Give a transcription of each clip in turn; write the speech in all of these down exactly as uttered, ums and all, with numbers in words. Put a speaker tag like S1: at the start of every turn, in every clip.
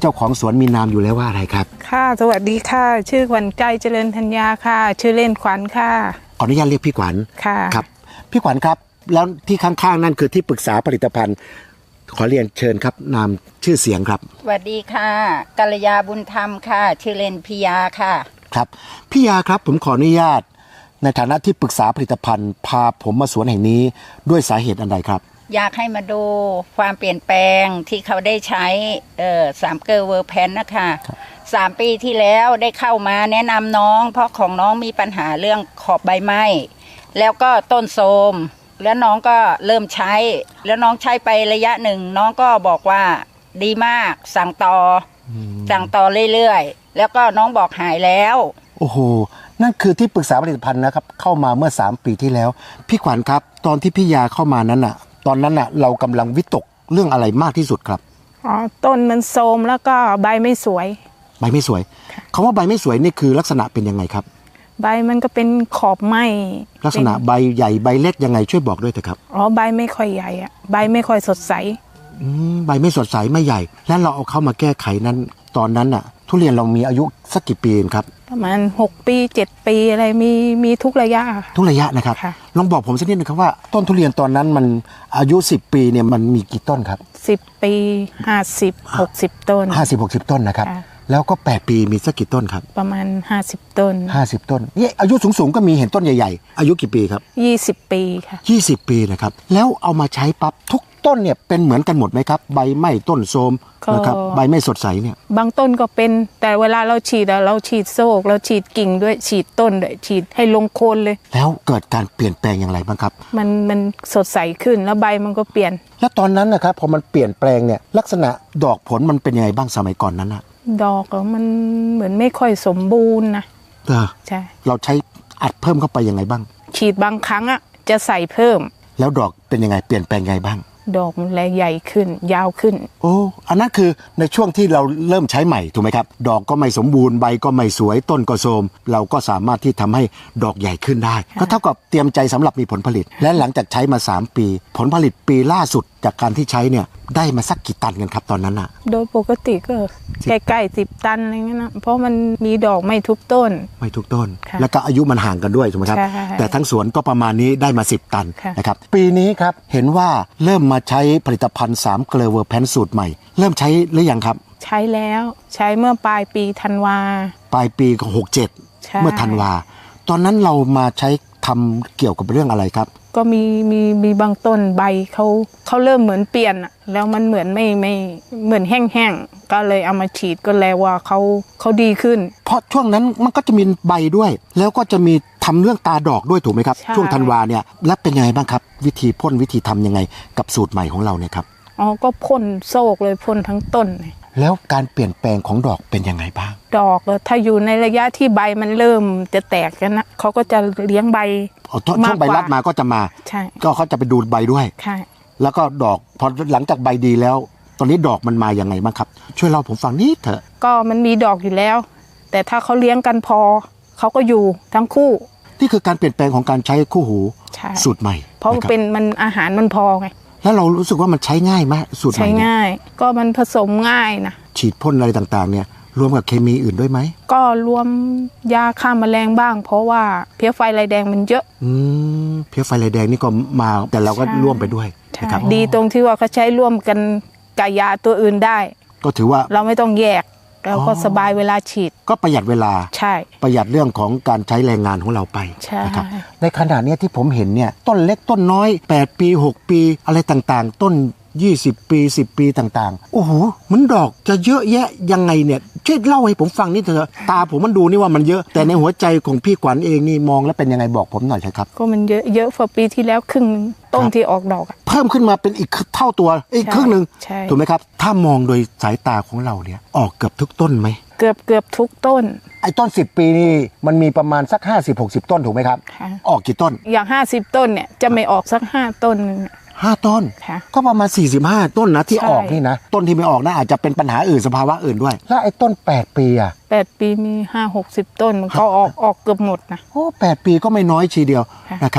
S1: เจ้าของสวนมีนามอยู่แล้วว่าอะไรครับ
S2: ค่ะสวัสดีค่ะชื่อขวัญใจเจริญธัญญาค่ะชื่อเล่นขวัญค่ะ
S1: ขออนุญาตเรียกพี่ขวัญ
S2: ค่ะ
S1: ครับพี่ขวัญครับแล้วที่ข้างๆนั่นคือที่ปรึกษาผลิตภัณฑ์ขอเรียนเชิญครับนามชื่อเสียงครับ
S3: สวัสดีค่ะกัลยาบุญธรรมค่ะชื่อเล่นพิยาค่ะ
S1: ครับพี่ยาครับผมขออนุญาตในฐานะที่ปรึกษาผลิตภัณฑ์พาผมมาสวนแห่งนี้ด้วยสาเหตุอันใดครับ
S3: อยากให้มาดูความเปลี่ยนแปลงที่เขาได้ใช้เอ่อสามเกอร์เวอร์แพนนะคะสามปีที่แล้วได้เข้ามาแนะนำน้องเพราะของน้องมีปัญหาเรื่องขอบใบไม้แล้วก็ต้นโทรมแล้วน้องก็เริ่มใช้แล้วน้องใช้ไประยะหนึ่งน้องก็บอกว่าดีมากสั่งต่อสั่งต่อเรื่อยๆแล้วก็น้องบอกหายแล้ว
S1: โอ้โหนั่นคือที่ปรึกษาผลิตภัณฑ์นะครับเข้ามาเมื่อสามปีที่แล้วพี่ขวัญครับตอนที่พี่ยาเข้ามานั้นน่ะตอนนั้นน่ะเรากำลังวิตกเรื่องอะไรมากที่สุดครับ
S2: อ๋อต้นมันโทรมแล้วก็ใบไม่สวย
S1: ใบไม่สวยคำว่าใบไม่สวยนี่คือลักษณะเป็นยังไงครับ
S2: ใบมันก็เป็นขอบไหม
S1: ลักษณะใบใหญ่ใบเล็กยังไงช่วยบอกด้วยเถอะครับ
S2: อ๋อใบไม่ค่อยใหญ่อะใบไม่ค่อยสดใส
S1: อืมใบไม่สดใสไม่ใหญ่แล้วเราเอาเข้ามาแก้ไขนั้นตอนนั้นน่ะทุเรียนเรามีอายุสักกี่ปีครับ
S2: ประมาณหกปีเจ็ดปีอะไรมีมีทุกระยะ
S1: ทุกระยะนะครับลองบอกผมสักนิดนึงครับว่าต้นทุเรียนตอนนั้นมันอายุสิบปีเนี่ยมันมีกี่ต้นครับ
S2: สิบปีห้าสิบหกสิบต้น
S1: ห้าสิบหกสิบต้นนะครับแล้วก็แปดปีมีสักกี่ต้นครับ
S2: ประมาณห้าสิบต้น
S1: ห้าสิบต้นนี่อายุสูงๆก็มีเห็นต้นใหญ่ๆอายุกี่ปีครับ
S2: ยี่สิบปีค่ะ
S1: ยี่สิบปีนะครับแล้วเอามาใช้ปั๊บทุกต้นเนี่ยเป็นเหมือนกันหมดไหมครับใบไหม้ต้นโทรมนะครับใบไม่สดใสเนี่ย
S2: บางต้นก็เป็นแต่เวลาเราฉีดอะเราฉีดโซกเราฉีดกิ่งด้วยฉีดต้นด้วยฉีดให้ลงโคนเลย
S1: แล้วเกิดการเปลี่ยนแปลงอย่างไรบ้างครับ
S2: มันมันสดใสขึ้นแล้วใบมันก็เปลี่ยน
S1: แล้วตอนนั้นนะครับพอมันเปลี่ยนแปลงเนี่ยลักษณะดอกผลมันเป็นยังไงบ้างสมัยก่อนนั้นอะ
S2: ดอกมันเหมือนไม่ค่อยสมบูรณ์นะ
S1: เออใช่เราใช้อัดเพิ่มเข้าไปยังไงบ้าง
S2: ฉีดบางครั้งอะจะใส่เพิ่ม
S1: แล้วดอกเป็นยังไงเปลี่ยนแปลงยังไงบ้าง
S2: ดอกมันแลใหญ่ขึ้นยาวขึ้น
S1: โอ้อันนั้นคือในช่วงที่เราเริ่มใช้ใหม่ถูกไหมครับดอกก็ไม่สมบูรณ์ใบก็ไม่สวยต้นก็โทรมเราก็สามารถที่ทำให้ดอกใหญ่ขึ้นได้ก็เท่ากับเตรียมใจสำหรับมีผลผลิตและหลังจากใช้มาสามปีผลผลิตปีล่าสุดจากการที่ใช้เนี่ยได้มาสักกี่ตันกันครับตอนนั้นอะ
S2: โดยปกติก็ใกล้ๆสิบตันอะไรเงี้ยนะเพราะมันมีดอกไม่ทุกต้น
S1: ไม่ทุกต้นแล้วก็อายุมันห่างกันด้วยถูกไหมครับแต่ทั้งสวนก็ประมาณนี้ได้มาสิบตันนะครับปีนี้ครับเห็นว่าเริ่มมาใช้ผลิตภัณฑ์สามเกลอเวอร์แพนสูตรใหม่เริ่มใช้หรือยังครับ
S2: ใช้แล้วใช้เมื่อปลายปีธันวา
S1: ปลายปีหกเจ็ดเมื่อธันวาตอนนั้นเรามาใช้ทำเกี่ยวกับเรื่องอะไรครับ
S2: ก็มีมีมีบางต้นใบเขาเขาเริ่มเหมือนเปลี่ยนอะแล้วมันเหมือนไม่ไม่เหมือนแห้งๆก็เลยเอามาฉีดก็แล้วว่าเขาเขาดีขึ้น
S1: เพราะช่วงนั้นมันก็จะมีใบด้วยแล้วก็จะมีทำเรื่องตาดอกด้วยถูกไหมครับช่วงธันวาเนี่ยแล้วเป็นยังไงบ้างครับวิธีพ่นวิธีทำยังไงกับสูตรใหม่ของเราเนี่ยครับ
S2: อ๋อก็พ่นโซกเลยพ่นทั้งต้น
S1: แล้วการเปลี่ยนแปลงของดอกเป็นยังไงบ้าง
S2: ดอกถ้าอยู่ในระยะที่ใบมันเริ่มจะแตกกันนะเขาก็จะเลี้ยงใบ
S1: ช่วงใบรัดมาก็จะมา
S2: ใช่
S1: ก็เขาจะไปดูใบด้วย
S2: ใช่
S1: แล้วก็ดอกพอหลังจากใบดีแล้วตอนนี้ดอกมันมาอย่างไงบ้างครับช่วยเล่าผมฟังนิดเถอะ
S2: ก็มันมีดอกอยู่แล้วแต่ถ้าเขาเลี้ยงกันพอเขาก็อยู่ทั้งคู่
S1: นี่คือการเปลี่ยนแปลงของการใช้คู่หูสูตรใหม่
S2: เพราะเป็นมันอาหารมันพอไง
S1: แล้วเรารู้สึกว่ามันใช้ง่ายไหมสูตรใหม่
S2: ใช้ง่ายก็มันผสมง่ายนะ
S1: ฉีดพ่นอะไรต่างๆเนี่ยรวมกับเคมีอื่นด้วยไหม
S2: ก็รวมยาฆ่าแมลงบ้างเพราะว่าเพี้ยไฟลายแดงมันเยอะ
S1: อืมเพี้ยไฟลายแดงนี่ก็มาแต่เราก็ร่วมไปด้วย
S2: นะครับดีตรงที่ว่าเขาใช้ร่วมกันกับยาตัวอื่นได้
S1: ก็ถือว่า
S2: เราไม่ต้องแยกเราก็สบายเวลาฉีด
S1: ก็ประหยัดเวลา
S2: ใช่
S1: ประหยัดเรื่องของการใช้แรงงานของเราไปนะครับในขณะนี้ที่ผมเห็นเนี่ยต้นเล็กต้นน้อยแปดปีหกปีอะไรต่างๆต้นยี่สิบปีสิบปีต่างๆโอ้โหมันดอกจะเยอะแยะยังไงเนี่ยช่วยเล่าให้ผมฟังนิดเถอะตาผมมันดูนี่ว่ามันเยอะแต่ในหัวใจของพี่ขวัญเองนี่มองแล้วเป็นยังไงบอกผมหน่อยใช่ครับ
S2: ก็มันเยอะเยอะกว่าปีที่แล้วครึ่งต้นที่ออกดอก
S1: เพิ่มขึ้นมาเป็นอีกเท่าตัวอีกครึ่งนึงถูกไหมครับถ้ามองโดยสายตาของเราเนี่ยออกเกือบทุกต้นไหม
S2: เกือบเกือบทุกต้น
S1: ไอ้ต้นสิบปีนี่มันมีประมาณสักห้าสิบ หกสิบต้นถูกไหมครับออกกี่ต้น
S2: อย่างห้าสิบต้นเนี่ยจะไม่ออกสักห้าต้นนึง
S1: ห้าต้นก็ประมาณสี่สิบห้าต้นนะที่ออกนี่นะต้นที่ไม่ออกนะอาจจะเป็นปัญหาอื่นสภาวะอื่นด้วยแล้วไอ้ต้นแปดปีอ่ะ
S2: แปดปีมีห้า หกสิบต้นมันก็ออกออกเกือบหมดนะ
S1: โอ้แปดปีก็ไม่น้อยทีเดียวนะครับ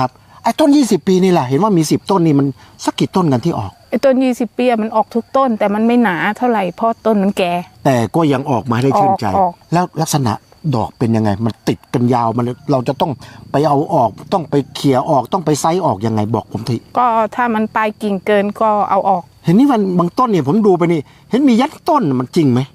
S1: ไอ้ต้นยี่สิบปีนี่แหละเห็นว่ามีสิบต้นนี่มันสักกี่ต้นกันที่ออก
S2: ไอ้ต้นยี่สิบปีมันออกทุกต้นแต่มันไม่หนาเท่าไหร่เพราะต้นมันแก่
S1: แต่ก็ยังออกมาได้ชื่นใจแล้วลักษณะดอกเป็นยังไงมันติดกันยาวมันเราจะต้องไปเอาออกต้องไปเขี่ยออกต้องไปไซส์ออกยังไงบอกผมที
S2: ก็ถ้ามันปลายกิ่งเกินก็เอาออก
S1: เห็นนี่มันบางต้นเนี่ยผมดูไปนี่เห็นมียัดต้นมันจริงไหม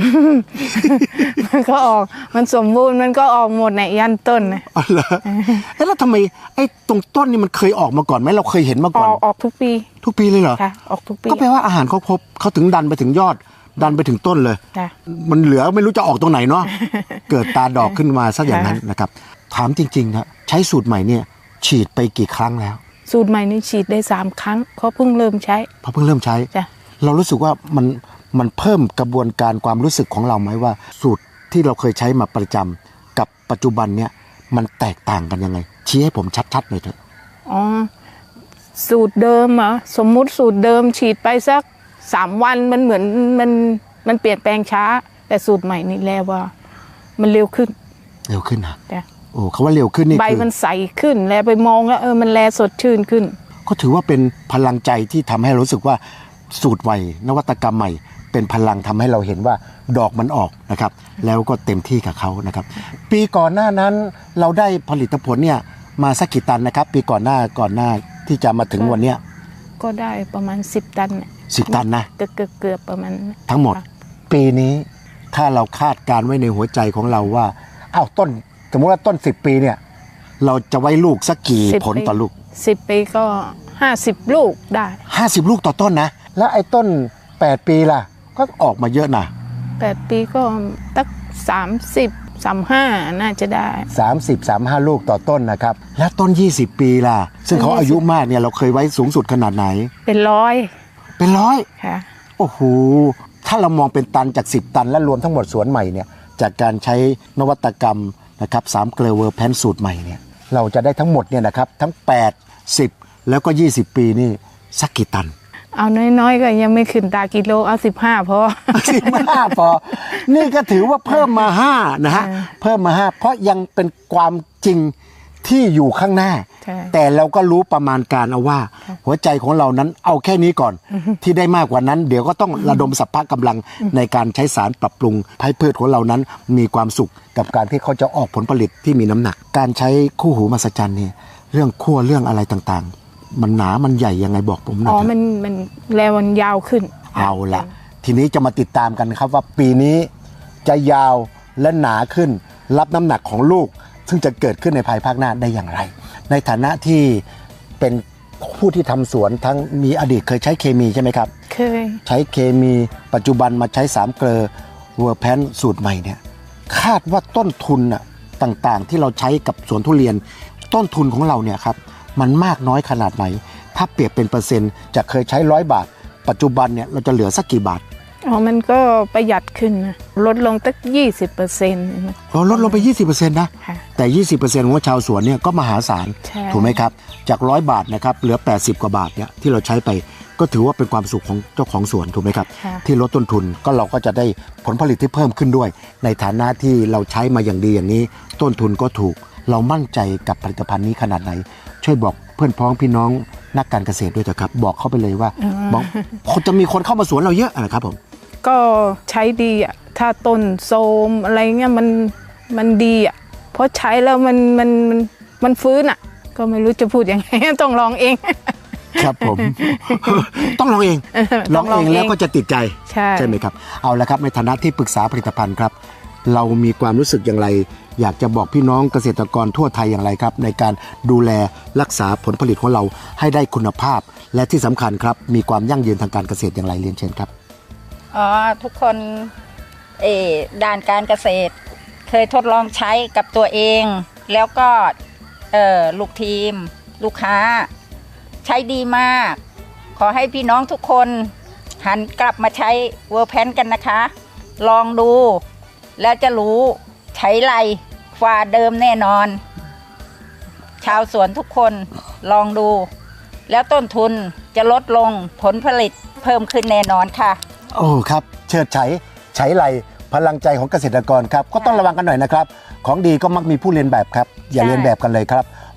S2: มันก็ออกมันสมบูรณ์มันก็ออกหมดในยันต้นนะ
S1: อ๋อเหรอแล้วทำไมไอ้ตรงต้นนี่มันเคยออกมาก่อนไหมเราเคยเห็นมาก่อน
S2: ออกออกทุกปี
S1: ทุกปีเลยเหรอ
S2: ค่ะออกทุกปี
S1: ก็แปลว่าอาหารเขาครบเขาถึงดันไปถึงยอดดันไปถึงต้นเลยมันเหลือไม่รู้จะออกตรงไหนเนาะ เกิดตาดอกขึ้นมาซะอย่างนั้นนะครับถามจริงๆนะใช้สูตรใหม่เนี่ยฉีดไปกี่ครั้งแล้ว
S2: สูตรใหม่นี่ฉีดได้สามครั้งเพราะเพิ่งเริ่มใช้
S1: เพราะเพิ่งเริ่มใช้เรารู้สึกว่ามันมันเพิ่มกระบวนการความรู้สึกของเราไหมว่าสูตรที่เราเคยใช้มาประจำกับปัจจุบันเนี่ยมันแตกต่างกันยังไงชี้ให้ผมชัดๆหน่อยเถอะ
S2: อ๋อสูตรเดิมเหรอสมมุติสูตรเดิมฉีดไปสักสามวันมันเหมือนมันมันเปลี่ยนแปลงช้าแต่สูตรใหม่นี่แล้วว่ามันเร็วขึ้น
S1: เร็วขึ้นนะโอ้เขาว่าเร็วขึ้นนี่
S2: ใบมันใสขึ้นแล้วไปมองแล้วเออมันแลสดชื่นขึ้น
S1: ก็ถือว่าเป็นพลังใจที่ทำให้รู้สึกว่าสูตรใหม่นวัตกรรมใหม่เป็นพลังทำให้เราเห็นว่าดอกมันออกนะครับแล้วก็เต็มที่กับเขานะครับปีก่อนหน้านั้นเราได้ผลิตผลเนี่ยมาสักกี่ตันนะครับปีก่อนหน้าก่อนหน้าที่จะมาถึงวันเนี้ย
S2: ก็ได้ประมาณสิบตัน
S1: สิบตันนะ
S2: เกือบเกือบประมาณ
S1: ทั้งหมดปีนี้ถ้าเราคาดการไว้ในหัวใจของเราว่าอ้าวต้นสมมติว่าต้นสิบปีเนี่ยเราจะไว้ลูกสักกี่ผลต่อลูก
S2: สิบปีก็ห้าสิบลูกได้
S1: ห้าสิบลูกต่อต้นนะแล้วไอ้ต้นแปดปีล่ะก็ออกมาเยอะนะ
S2: แปดปีก็ตั้งสามสิบ สามสิบห้าน่าจะได้
S1: สามสิบ สามสิบห้าลูกต่อต้นนะครับแล้วต้นยี่สิบปีล่ะซึ่งเขาอายุมากเนี่ยเราเคยไว้สูงสุดขนาดไหน
S2: เป็นร้อย
S1: เป็นร้อย
S2: ค่ะ
S1: โอ้โหถ้าเรามองเป็นตันจากสิบตันและรวมทั้งหมดสวนใหม่เนี่ยจากการใช้นวัตกรรมนะครับสามเกลอเวอร์แพนสูตรใหม่เนี่ยเราจะได้ทั้งหมดเนี่ยนะครับทั้งแปด สิบแล้วก็ยี่สิบปีนี่สักกี่ตัน
S2: เอาน้อยๆก็ยังไม่ขึ้นตากิโลเอาสิบห้าพอ
S1: สิบห้าพอนี่ก็ถือว่าเพิ่มมาห้านะฮะเพิ่มมาห้าเพราะยังเป็นความจริงที่อยู่ข้างหน้าแต่เราก็รู้ประมาณการเอาว่าหัวใจของเรานั้นเอาแค่นี้ก่อนที่ได้มากกว่านั้นเดี๋ยวก็ต้องระดมสรรพกำลังในการใช้สารปรับปรุงให้พืชของเรานั้นมีความสุขกับการที่เขาจะออกผลผลิตที่มีน้ำหนักการใช้คู่หูมหัศจรรย์เนี่ยเรื่องขั้วเรื่องอะไรต่างๆมันหนามันใหญ่ยังไงบอกผมหน่อย
S2: อ๋อมันมันแล้วมันยาวขึ้น
S1: เอาละทีนี้จะมาติดตามกันครับว่าปีนี้จะยาวและหนาขึ้นรับน้ำหนักของลูกซึ่งจะเกิดขึ้นในภายภาคหน้าได้อย่างไรในฐานะที่เป็นผู้ที่ทำสวนทั้งมีอดีตเคยใช้เคมีใช่ไหมครับ
S2: เคย
S1: ใช้เคมีปัจจุบันมาใช้สามเกลอเวอร์แพนสูตรใหม่เนี่ยคาดว่าต้นทุนอะต่างๆที่เราใช้กับสวนทุเรียนต้นทุนของเราเนี่ยครับมันมากน้อยขนาดไหนถ้าเปรียบเป็นเปอร์เซ็นต์จะเคยใช้ร้อยบาทปัจจุบันเนี่ยเราจะเหลือสักกี่บาท
S2: อ๋อมันก็ประหยัดขึ้นนะลดลงตั้งยี่สิบเปอร์เซ็นต์
S1: อ๋อลดลงไปยี่สิบเปอร์เซ็นต์นะแต่ยี่สิบเปอร์เซ็นต์ของชาวสวนเนี่ยก็มหาศาลถูกไหมครับจากร้อยบาทนะครับเหลือแปดสิบกว่าบาทเนี่ยที่เราใช้ไปก็ถือว่าเป็นความสุขของเจ้าของสวนถูกไหมครับที่ลดต้นทุนก็เราก็จะได้ผลผลิตที่เพิ่มขึ้นด้วยในฐานะที่เราใช้มาอย่างดีอย่างนี้ต้นทุนก็ถูกเรามั่นใจกับผลิตภัณฑ์นี้ขนาดไหนช่วยบอกเพื่อนพ้องพี่น้องนักการเกษตรด้วยเถอะครับบอกเขาไปเลยว่าบอกจะมีคนเข้ามาสวนเราเยอะนะครับผม
S2: ก็ใช้ดีอ่ะถ้าต้นโทรมอะไรเงี้ยมันมันดีอ่ะเพราะใช้แล้วมันมันมันมันฟื้นอ่ะก็ไม่รู้จะพูดยังไงต้องลองเอง
S1: ครับผมต้องลองเองลองเองแล้วก็จะติดใจใช่ใช่ไหมครับเอาละครับในฐานะที่ปรึกษาผลิตภัณฑ์ครับเรามีความรู้สึกอย่างไรอยากจะบอกพี่น้องเกษตรกรทั่วไทยอย่างไรครับในการดูแลรักษาผลผลิตของเราให้ได้คุณภาพและที่สำคัญครับมีความยั่งยืนทางการเกษตรอย่างไรเรียนเชิญครับ
S3: อ๋อทุกคนเออด้านการเกษตรเคยทดลองใช้กับตัวเองแล้วก็เออลูกทีมลูกค้าใช้ดีมากขอให้พี่น้องทุกคนหันกลับมาใช้เวอร์แพนกันนะคะลองดูแล้วจะรู้ใช้ไรฝ่าเดิมแน่นอนชาวสวนทุกคนลองดูแล้วต้นทุนจะลดลงผลผลิตเพิ่มขึ้นแน่นอนค่ะ
S1: โอ้ครับเชิดไฉไฉไลพลังใจของเกษตรกรครับก็ต้องระวังกันหน่อยนะครับของดีก็มักมีผู้เรียนแบบครับอย่าเรียนแบบกันเลยครับ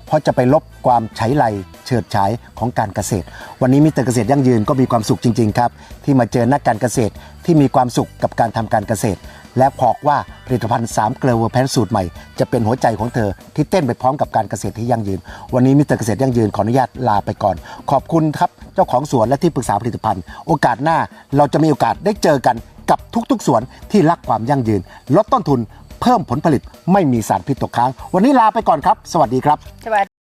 S1: เพราะจะไปลบความใช้ไรเฉิดฉายของการเกษตรวันนี้มิสเตอร์เกษตรยั่งยืนก็มีความสุขจริงๆครับที่มาเจอนักการเกษตรที่มีความสุขกับการทำการเกษตรและบอกว่าผลิตภัณฑ์สามเกลือเวอร์แพนสูตรใหม่จะเป็นหัวใจของเธอที่เต้นไปพร้อมกับการเกษตรที่ยั่งยืนวันนี้มิสเตอร์เกษตรยั่งยืนขออนุญาตลาไปก่อนขอบคุณครับเจ้าของสวนและที่ปรึกษาผลิตภัณฑ์โอกาสหน้าเราจะมีโอกาสได้เจอกันกับทุกๆสวนที่รักความยั่งยืนลดต้นทุนเพิ่มผลผลิตไม่มีสารพิษตกค้างวันนี้ลาไปก่อนครับสวัสดีครับ